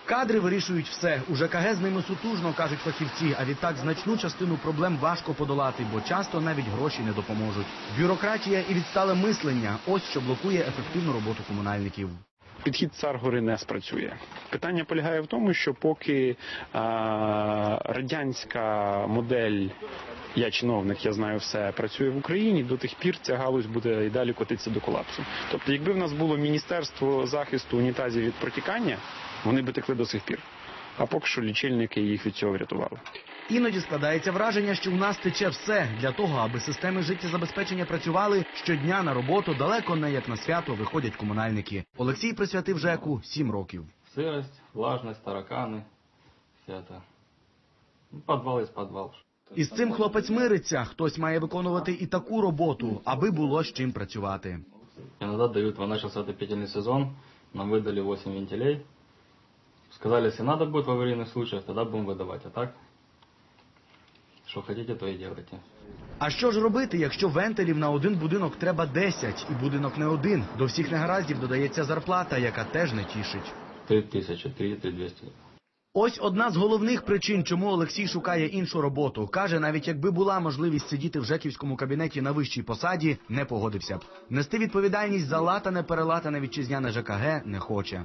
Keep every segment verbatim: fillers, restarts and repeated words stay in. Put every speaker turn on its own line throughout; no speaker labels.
Кадри вирішують все. У ЖКГ з ними сутужно, кажуть фахівці, а відтак значну частину проблем важко подолати, бо часто навіть гроші не допоможуть. Бюрократія і відстале мислення – ось що блокує ефективну роботу комунальників.
Підхід цар-гори не спрацює. Питання полягає в тому, що поки а, радянська модель «я чиновник, я знаю все» працює в Україні, до тих пір ця галузь буде і далі котитися до колапсу. Тобто, якби в нас було Міністерство захисту унітазів від протікання, вони би текли до сих пір. А поки що лічильники їх від цього врятували.
Іноді складається враження, що у нас тече все. Для того, аби системи життєзабезпечення працювали, щодня на роботу далеко не як на свято виходять комунальники. Олексій присвятив ЖЕКу сім років.
Сирость, влажність, таракани, все це. Підвал із підвал.
Із цим хлопець мириться. Хтось має виконувати і таку роботу, аби було з чим працювати.
Іноді дають, почався отопительний сезон, нам видали вісім вентилей. Сказали, якщо треба буде в аварійних случаях, тоді будемо видавати. А так, що хочете, то і робите.
А що ж робити, якщо вентилів на один будинок треба десять, і будинок не один? До всіх негараздів додається зарплата, яка теж не тішить.
три тисячі, три двісті.
Ось одна з головних причин, чому Олексій шукає іншу роботу. Каже, навіть якби була можливість сидіти в жеківському кабінеті на вищій посаді, не погодився б. Нести відповідальність за латане-перелатане вітчизняне ЖКГ не хоче.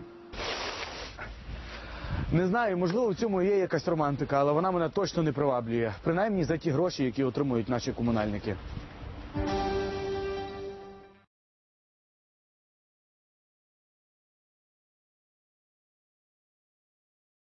Не знаю, можливо, в цьому є якась романтика, але вона мене точно не приваблює. Принаймні за ті гроші, які отримують наші комунальники.